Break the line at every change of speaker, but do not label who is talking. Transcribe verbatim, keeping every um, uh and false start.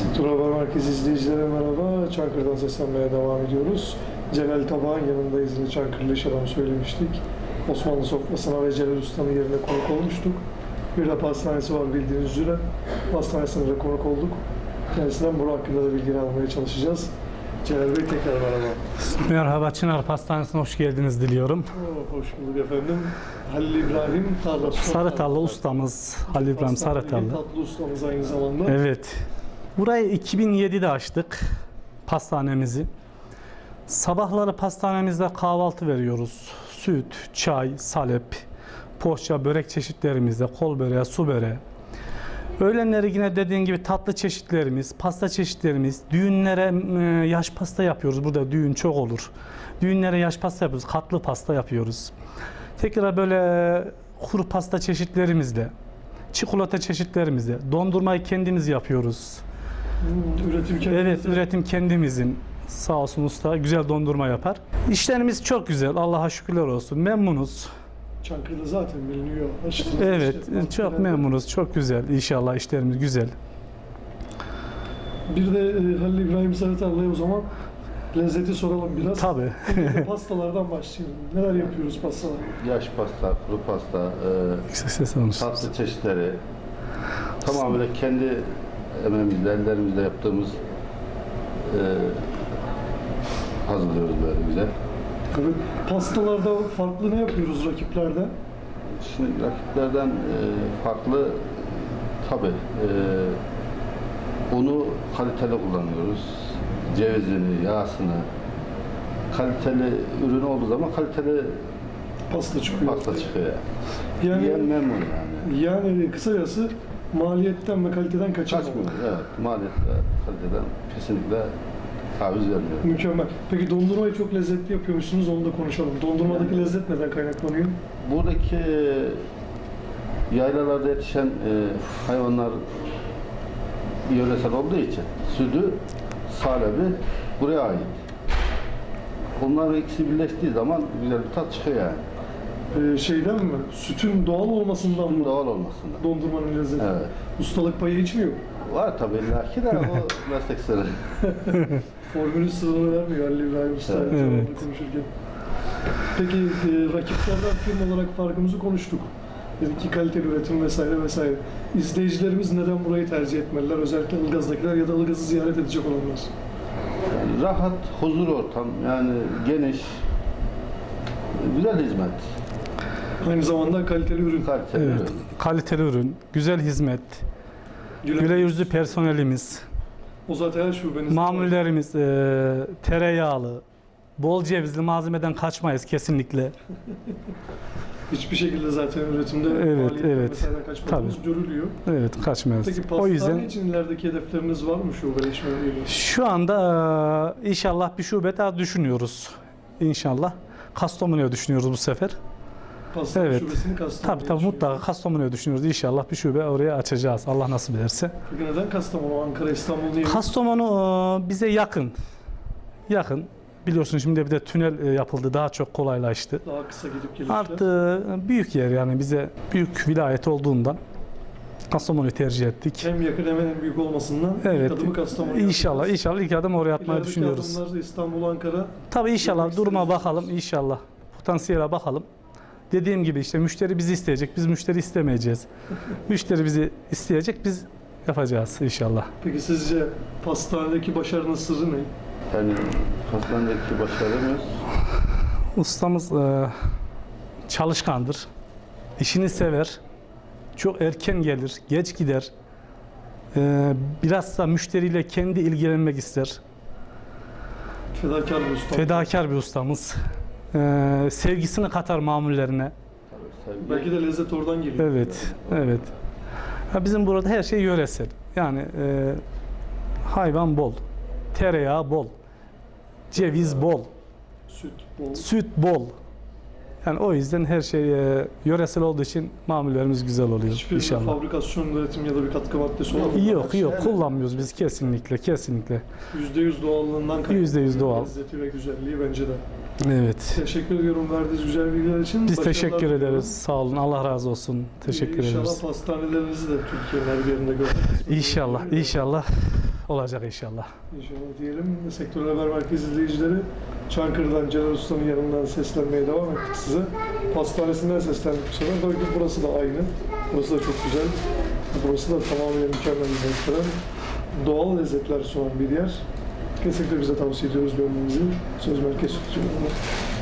Sektör Haber Merkezi izleyicilere merhaba. Çankırı'dan seslenmeye devam ediyoruz. Celal Tabağ'ın yanındayız yine Çankırılı iş adamı söylemiştik. Osmanlı sofrasına ve Celal Usta'nın yerine konuk olmuştuk. Bir de pastanesi var bildiğiniz üzere. Pastanesine de konuk olduk. Kendisinden bu hakkında da bilgi almaya çalışacağız. Celal Bey tekrar merhaba.
Merhaba, Çınar Pastanesi'ne hoş geldiniz diliyorum.
Oo, hoş bulduk efendim. Halil İbrahim Tarla.
Sarıtallı ustamız. Halil İbrahim Sarıtallı.
Tatlı ustamız aynı zamanda.
Evet. Burayı iki bin yedide açtık. Pastanemizi. Sabahları pastanemizde kahvaltı veriyoruz. Süt, çay, salep, poğaça, börek çeşitlerimizde, kol böreği, su böreği. Öğlenleri yine dediğin gibi tatlı çeşitlerimiz, pasta çeşitlerimiz, düğünlere yaş pasta yapıyoruz. Burada düğün çok olur. Düğünlere yaş pasta yapıyoruz, katlı pasta yapıyoruz. Tekrar böyle kuru pasta çeşitlerimizle, çikolata çeşitlerimizle, dondurmayı kendimiz yapıyoruz.
Hmm, üretim kendimizin.
Evet, üretim kendimizin. Sağ olsun usta güzel dondurma yapar. İşlerimiz çok güzel, Allah'a şükürler olsun. Memnunuz.
Çankırı'da zaten biliniyor. Açtınız
Evet,
işte,
çok memnunuz, çok güzel. İnşallah işlerimiz güzel.
Bir de e, Halil İbrahim Sarıtallı'ya o zaman lezzeti soralım biraz.
Tabii.
Pastalardan başlayalım. Neler yapıyoruz pastalar?
Yaş pasta, kuru pasta,
Yüksek ses almış.
e, tatlı çeşitleri tamamen kendi emeğimizle, ellerimizle yaptığımız e, hazırlıyoruz böyle güzel.
Evet. Pastalarda farklı ne yapıyoruz rakiplerden?
Şimdi rakiplerden e, farklı tabi e, unu kaliteli kullanıyoruz. Cevizini, yağsını kaliteli ürün olduğu zaman kaliteli
Pasta çıkıyor.
pasta çıkıyor.
Yani,
Yiyen memnun yani.
yani kısacası maliyetten ve kaliteden kaçınmıyor.
Kaçmıyor. Evet. Maliyetle, kaliteden kesinlikle taviz vermiyor.
Mükemmel. Peki dondurmayı çok lezzetli yapıyormuşsunuz, onu da konuşalım. Dondurmadaki
Yani,
lezzet neden kaynaklanıyor?
buradaki yaylalarda yetişen e, hayvanlar yöresel olduğu için sütü, salebi buraya ait. Onlar ikisi birleştiği zaman güzel bir tat çıkıyor yani.
Ee, şeyden mi? Sütün doğal olmasından mı?
Doğal olmasından.
Dondurmanın lezzeti.
Evet.
Ustalık payı hiç mi yok?
Var tabii illaki de o meslek sırrı.
Formülün sırrını vermiyor Halil İbrahim Usta
Evet.
evet. konuşurken. Peki e, rakiplerden firma olarak farkımızı konuştuk. Dedik ki kaliteli üretim vesaire vesaire. İzleyicilerimiz neden burayı tercih etmeliler? Özellikle Ilgaz'dakiler ya da Ilgaz'ı ziyaret edecek olanlar.
Yani rahat, huzur ortam, yani geniş, güzel hizmet.
Aynı zamanda kaliteli ürün.
Kaliteli
Evet,
ürün.
kaliteli ürün, güzel hizmet,
Gülen-
güle yüzlü personelimiz,
O zaten her şubenizde.
mamullerimiz e, tereyağlı, bol cevizli malzemeden kaçmayız kesinlikle.
Hiçbir şekilde zaten üretimde
Evet,
maliyetten
evet.
vesaire kaçmadığımız görülüyor.
Evet, kaçmayız.
Peki
O
pastane
yüzden
için ilerideki hedefleriniz var mı şubeleşmeyle?
şu anda e, inşallah bir şube daha düşünüyoruz. İnşallah. Kastamonu'ya düşünüyoruz bu sefer.
Pastane
Evet.
şubesini Kastamonu'ya
Tabii tabii mutlaka Kastamonu'ya düşünüyoruz. İnşallah bir şube oraya açacağız. Allah nasip ederse.
Peki neden Kastamonu, Ankara, İstanbul diye?
Kastamonu e, bize yakın. Yakın. Biliyorsun şimdi bir de tünel e, yapıldı. Daha çok kolaylaştı.
Daha kısa gidip gelişler.
Artı büyük yer yani bize büyük vilayet olduğundan Kastamonu'yu tercih ettik.
Hem yakın hem en büyük olmasından
Evet.
ilk adımı Kastamonu'ya
İnşallah
atacağız.
inşallah ilk adım oraya atmayı
İlerideki
düşünüyoruz.
adımlar İstanbul, Ankara.
Tabii inşallah
Görmek
duruma
isteriz.
bakalım inşallah. Potansiyele bakalım. Dediğim gibi işte müşteri bizi isteyecek. Biz müşteri istemeyeceğiz. Müşteri bizi isteyecek. Biz yapacağız inşallah.
Peki sizce pastanedeki başarının sırrı ne?
Yani hastanedeki başarımız
Ustamız e, çalışkandır. İşini sever. Çok erken gelir, geç gider. E, biraz da müşteriyle kendi ilgilenmek ister.
Fedakar bir usta.
Fedakar bir ustamız. E, sevgisini katar mamullerine.
sevgi.
Belki de lezzet oradan geliyor.
Evet, evet. Ya bizim burada her şey yöresel. Yani e, hayvan bol, tereyağı bol, ceviz bol,
Süt, bol.
süt bol. Yani o yüzden her şey e, yöresel olduğu için mamullerimiz güzel oluyor
Hiçbir
inşallah.
fabrikasyon, üretim ya da bir katkı maddesi olmadan.
Yok yok kullanmıyoruz biz kesinlikle kesinlikle.
yüzde yüz doğallığından kaynaklı.
Yüzde yüz doğal.
Lezzeti ve güzelliği bence de.
Evet.
Teşekkür ediyorum verdiğiniz güzel bilgiler için.
Biz
Başarılar
teşekkür
diliyorum.
ederiz. Sağ olun. Allah razı olsun. Teşekkür
İnşallah
ederiz.
pastanelerinizi de Türkiye'nin her bir yerinde görmek.
İnşallah, inşallah. olacak inşallah.
İnşallah diyelim. Sektör Haber Merkezi izleyicileri, Çankırı'dan Celal Usta'nın yanından seslenmeye devam ettik size. Pastanesinden seslendik bu sefer. Tabii ki burası da aynı. Burası da çok güzel. Burası da tamamen mükemmel bir restoran. Doğal lezzetler sunan bir yer. Kesinlikle bize tavsiye ediyoruz görmenizi. Söz Merkez Stüdyo'da.